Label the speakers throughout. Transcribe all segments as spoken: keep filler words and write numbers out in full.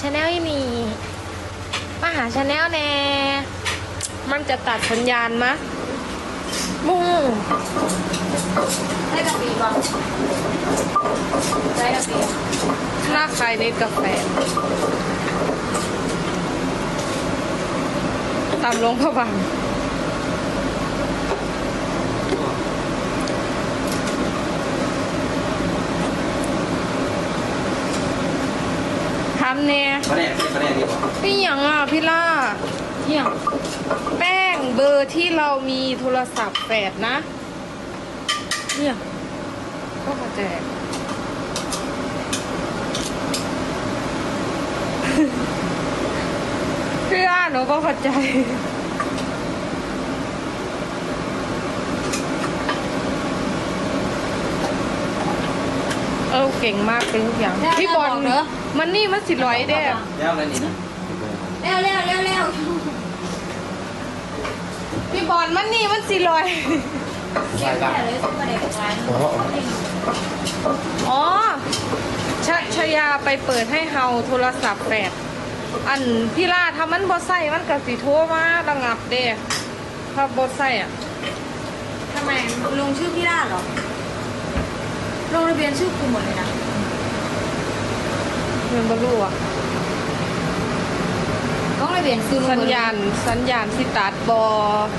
Speaker 1: ชาแนลนี่มาหาชาแนลแน่มันจะตัดสัญญาณมะมู
Speaker 2: ได้กาแฟบ้างได้กาแฟ
Speaker 1: หน้าใครเน็ตกาแฟตามลงพระบางทำเนี่ย
Speaker 3: ประเด็นประเด็นดีกว่า
Speaker 1: พี่หยังอ่ะพี่ล่าพี่หยังแป้งเบอร์ที่เรามีโทรศัพท์แปดนะเนี่ยก็มาแจก พี่ล่าหนูก็เข้าใจเออเก่งมากเป็นทุกอย่างพี่บอลเนอะมันนี่มันสิร้อยเด้อ
Speaker 3: แล้วอะไรนี่นะ
Speaker 2: เร็วเร็วเร็วเร็ว
Speaker 1: พี่บอลมันนี่มันสิร้อย
Speaker 2: เก็บแค่เลยซื้อมาเด็กร้าน
Speaker 1: อ๋อชะชยาไปเปิดให้เฮาโทรศัพท์แปดอันพี่ล่าถ้ามันบอใส่มันก็สิโทรมาระงับเด้ถ้าบอใส่อ่ะ
Speaker 2: ทำไมลงชื่อพี่ล่าเหรอลงทะเบียนชื่อกูหมดเลยนะ
Speaker 1: เงินบรูอ่ะ
Speaker 2: ต้องทะเบียนซื้อ
Speaker 1: สัญญาณสัญญาณสิตัดบอ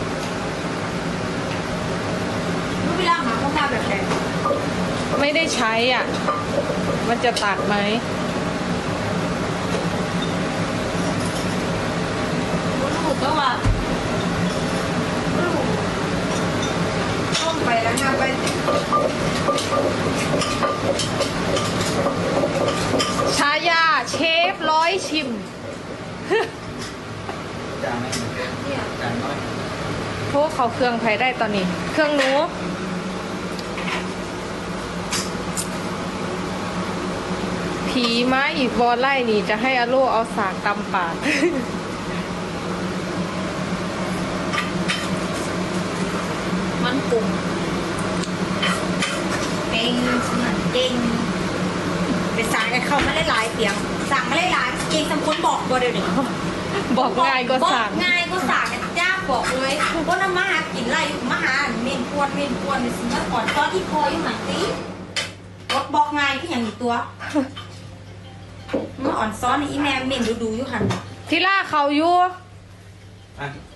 Speaker 2: ลูกพี่ล่าหาข้อมูลแบบไหน
Speaker 1: ไม่ได้ใช้อ่ะ มันจะตัดไหม
Speaker 2: ลูกก็ว่าลูกต้มไปแล้วนะไป
Speaker 1: ชายาเชฟร้อยชิม
Speaker 3: จางไหม
Speaker 2: เนี่ย
Speaker 3: จางน้อย
Speaker 1: โทรเขาเครื่องไผได้ตอนนี้ เครื่องหนูผีม้าอีกวอลไล่นี่จะให้อาโลเอาสากตำปาก
Speaker 2: มันกลุ่มเก่งเก่งไปสั่งให้เขาไม่ได้หลายเสียงสั่งไม่ได้หลายเก่งสมควรบอกบ่เดี๋ยวนี้
Speaker 1: บอกง่ายก็สั่ง
Speaker 2: บอกง่ายก็สั่งจ้าบอกเลยว่าน้ำมาหากินไรมาหาเมนควนเมนควนในสมัยก่อนตอนที่พออยู่หมันตีบอกบอกง่ายก็อย่างนี้ตัวมาอ่อนซ้อนอีแม่เมนดูดูอยู่หัน
Speaker 1: ที่ล่าเขาอยู่
Speaker 3: อ่ะ